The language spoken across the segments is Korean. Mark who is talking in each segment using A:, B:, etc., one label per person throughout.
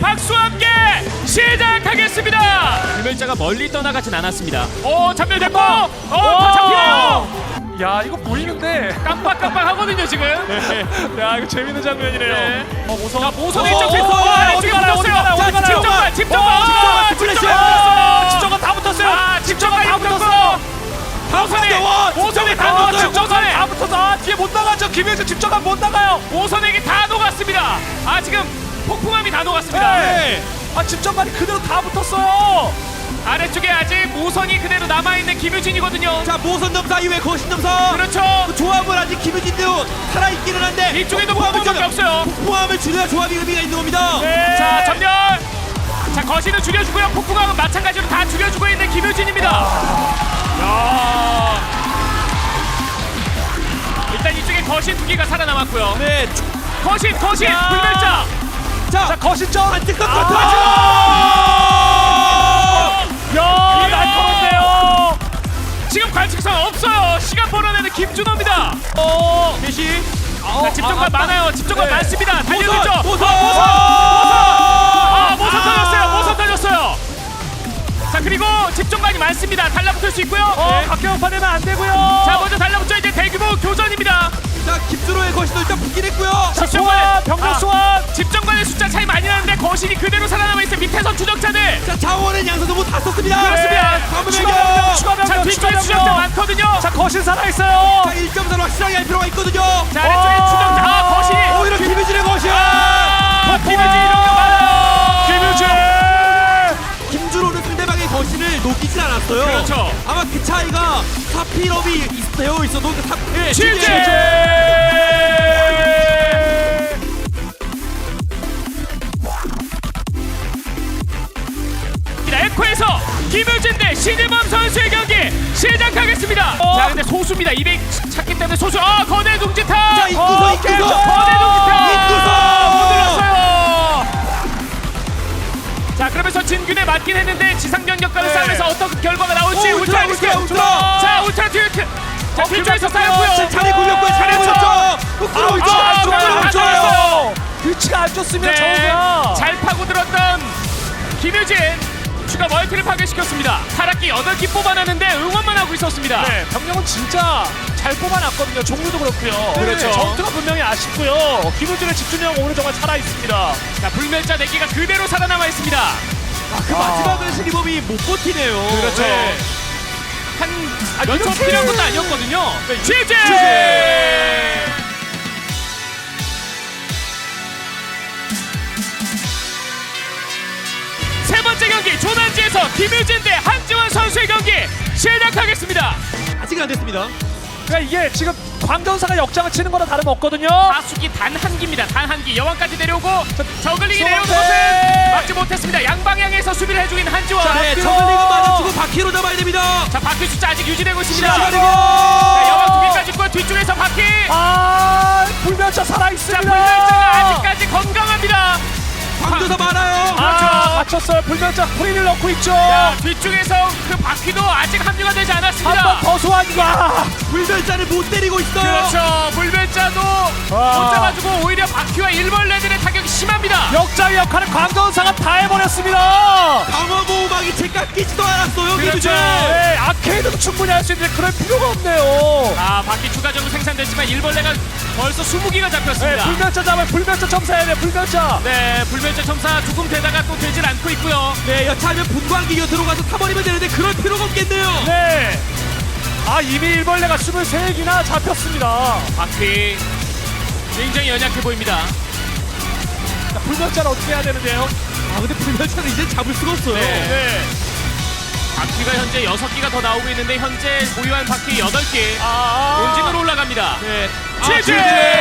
A: 박수와 함께 시작하겠습니다.
B: 불멸자가 멀리 떠나가진 않았습니다.
A: 전멸됐고 다 잡히나요?
C: 야 이거 보이는데
A: 깜빡깜빡 하거든요 지금.
C: 야 이거 재밌는 장면이네요.
A: 네.
C: 모성
A: 자 모선의 쪽에서 아래쪽에 붙었어요.
C: 집정관
A: 집정관
C: 집정관 다 붙었어요.
A: 집정관 다 붙었어. 모선이 다 녹았죠.
C: 집정관에 다 붙어서 뒤에 못 나가죠. 김혜수 집정관 못 나가요.
A: 모선에게 다 녹았습니다. 지금 폭풍함이 다 녹았습니다.
C: 네. 집정관이 그대로 다 붙었어요.
A: 아래쪽에 아직 모선이 그대로 남아있는 김유진이거든요.
D: 자 모선 점사 이후에 거신 점사
A: 그렇죠.
D: 그 조합은 아직 김유진도 살아있기는 한데
A: 이쪽에도 폭풍함밖에 없어요.
D: 폭풍함을 줄여야 조합이 의미가 있는 겁니다.
A: 네. 자 전멸. 자 거신은 죽여주고요. 폭풍함은 마찬가지로 다 죽여주고 있는 김유진입니다. 야. 일단 이쪽에 거신 두 개가 살아남았고요.
D: 네.
A: 거신 불멸자.
D: 자
C: 거신점
D: 안티컷
C: 야 날카로운데요.
A: 지금 관측선 없어요. 시간 벌어내는 김준호입니다.
D: 대시.
A: 자, 집정관 많아요. 집정관
D: 네.
A: 많습니다. 달리고 있죠.
D: 모선
A: 모선 터졌어요. 자 그리고 집정관이 많습니다. 달라붙을 수 있고요.
C: 각경파 되면 안 되고요.
A: 자 먼저 달라붙죠. 이제 대규모 교전입니다.
D: 자 김준호의 거신도 일단 붙긴 했고요.
C: 소환 병력 소환.
A: 집정관의 숫자 차이 많이 나는데 거신이 그대로 살아남아 있어요. 밑에선 추적자들.
D: 자 자원은 양선도 뭐 다 썼습니다.
A: 그렇습니다.
C: 추가
A: 자
C: 병력
A: 뒤쪽에 추적자 많거든요.
C: 자 거신 살아있어요.
D: 자 1.4로 확실하게 할 필요가 있거든요.
A: 자 아래쪽에 추적자 거신이.
D: 오히려 김유진의 거신.
A: 김유진 이런 거 많아요.
C: 김유진.
D: 김준호는 상대방의 거신을 녹이진 않았어요.
A: 그렇죠.
D: 아마 그 차이가 사필업이 되어 있어도
A: 실제. 에코에서 김유진 대 신일범 선수의 경기 시작하겠습니다. 자 근데 소수입니다. 200 찾기 때문에 소수. 거대 둥지타.
D: 자 인구소
A: 거대 둥지타. 못 들었어요. 자 그러면서 진균에 맞긴 했는데 지상병력과는 싸움에서 어떤 결과가 나올지 울트라 리스크. 자 울트라 듀트. 자 뒤쪽에서 싸였고요.
D: 차례 굴렸고요. 차례 굴렸죠.
C: 좋아요. 위치가 안 좋습니다. 저우가
A: 잘 파고들었던 김유진 추가 멀티를 파괴시켰습니다. 타락기 8기 뽑아놨는데 응원만 하고 있었습니다.
C: 네, 병력은 진짜 잘 뽑아놨거든요. 종류도 그렇고요.
A: 그렇죠.
C: 전투가 분명히 아쉽고요. 김우준의 집중력 오늘 정말 살아있습니다.
A: 자 불멸자 4기가 그대로 살아남아 있습니다.
D: 그 마지막은 신이범이 못 버티네요.
A: 그렇죠.
D: 네.
A: 몇 초 필요한 것도 아니었거든요. 지지! 세 번째 경기 조난지에서 김유진 대 한지원 선수의 경기 시작하겠습니다.
D: 아직은 안 됐습니다.
C: 그러니까 이게 지금 광전사가 역장을 치는 거나 다름없거든요.
A: 다수기 단 한 기입니다. 단 한 기. 여왕까지 내려오고 저글링이 내려오는 것은 막지 못했습니다. 양방향에서 수비를 해주고 있는 한지원.
D: 네, 저글링은 맞아주고 바퀴로 잡아야 됩니다.
A: 자 바퀴 숫자 아직 유지되고 있습니다.
D: 시간이고.
A: 자, 여왕 2개까지 있고 뒤쪽에서 바퀴.
C: 불멸자
A: 자
C: 살아있습니다.
A: 불멸자가 아직까지 건강합니다.
D: 광도사 많아요.
C: 갇혔어요. 불멸자 프리를 넣고 있죠.
A: 자, 뒤쪽에서 그 바퀴도 아직 합류가 되지
C: 한
A: 않았습니다.
C: 번 더 소환과.
D: 불멸자를 못 때리고 있어요.
A: 그렇죠. 불멸자도 못 잡아주고 오히려 바퀴와 일벌레들의 타격이 심합니다.
C: 역장의 역할을 광전사가 다 해버렸습니다.
D: 강화 보호막이 채 깎이지도 않았어요.
A: 그렇죠.
D: 김유진.
C: 네, 아케이드도 충분히 할 수 있는데 그럴 필요가 없네요.
A: 바퀴 추가적으로 생산됐지만 일벌레가 벌써 20기가
C: 네,
A: 잡혔습니다.
C: 불멸자 잡아요. 불멸자 점사해야 돼. 불멸자.
A: 네, 불멸자 첨사 조금 되다가 또 되질 않고 있고요.
D: 네, 여차하면 분광기가 들어가서 타버리면 되는데 그럴 필요가 없겠네요.
C: 네. 이미 일벌레가 23개나 잡혔습니다.
A: 바퀴 굉장히 연약해 보입니다.
C: 자, 불멸자는 어떻게 해야 되는데요?
D: 근데 불멸자는 이제 잡을 수가 없어요.
A: 네. 바퀴가 현재 6기가 더 나오고 있는데 현재 보유한 바퀴 8개. 본진으로 올라갑니다.
D: 네.
A: 지지!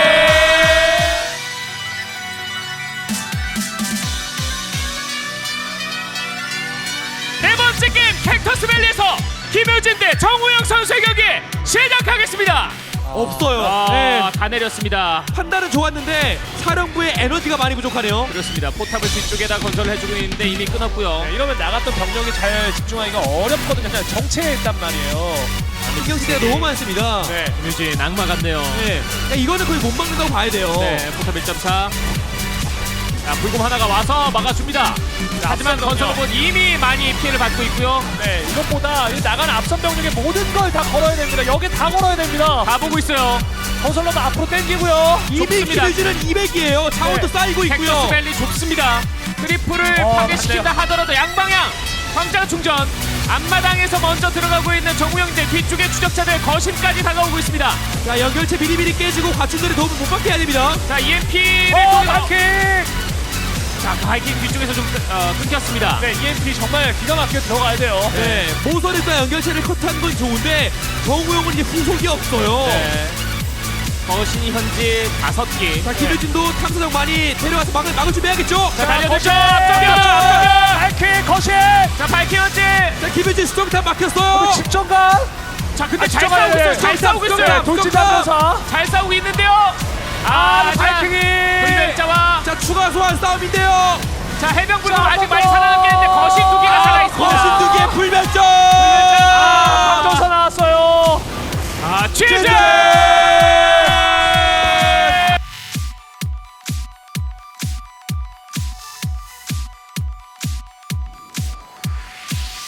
A: 네 번째 게임 캡터스 밸리에서 김효진 대 정우영 선수의 경기 시작하겠습니다.
D: 없어요.
A: 네, 다 내렸습니다.
D: 판단은 좋았는데 사령부의 에너지가 많이 부족하네요.
A: 그렇습니다. 포탑을 뒤쪽에다 건설을 해주고 있는데 이미 끊었고요.
C: 네, 이러면 나갔던 병력이 잘 집중하기가 어렵거든요. 그냥 정체에 있단 말이에요.
D: 신경 쓸 때가 너무 많습니다.
C: 네.
A: 김효진 악마 같네요.
D: 네. 이거는 거의 못 막는다고 봐야 돼요.
A: 네, 포탑 1.4. 자, 불곰 하나가 와서 막아줍니다. 하지만
C: 앞선
A: 건설로봇 이미 많이 피해를 받고 있고요.
C: 네, 이것보다 이 나간 앞선 병력의 모든 걸 다 걸어야 됩니다. 여기 다 걸어야 됩니다.
A: 다 보고 있어요.
C: 건설로만 앞으로 당기고요.
D: 이미
A: 좋습니다.
D: 기르지는 200이에요. 차원도
C: 네.
D: 쌓이고
A: 텍사스
D: 있고요.
A: 밸리 좁습니다. 트리플을 파괴시킨다 하더라도 양방향 광장 충전. 앞마당에서 먼저 들어가고 있는 정우영들, 뒤쪽에 추적자들 거심까지 다가오고 있습니다.
D: 자, 연결체 미리미리 깨지고 과충들의 도움을 못 받게 해야 됩니다.
A: 자, EMP를
C: 바이킹!
A: 자, 바이킹 뒤쪽에서 좀 끊겼습니다.
C: 네, EMP 정말 기가 막히게 들어가야 돼요.
D: 네, 모선에서 연결체를 컷한 건 좋은데 정우영은 이제 후속이 없어요.
C: 네.
A: 거신이 현재 5개.
D: 자, 김효진도 탐사정 많이 데려와서 막을 준비해야겠죠.
A: 자, 달려들죠.
C: 거신!
A: 앞쪽이요.
C: 바이킹 거신!
A: 자, 바이킹 현재.
D: 자, 김효진 스톰탑 막혔어요.
C: 집정관!
A: 자, 근데 잘
C: 집정관이에요.
A: 싸우고 있어요. 잘 싸우고 있어요.
D: 집정관.
C: 돌진하면서
A: 잘 싸우고 있는데요. 아,
C: 바이킹이!
A: 불멸자와
D: 자, 추가 소환 싸움인데요.
A: 자, 해병군은
C: 자,
A: 아직
C: 한번
A: 많이
C: 더.
A: 살아남긴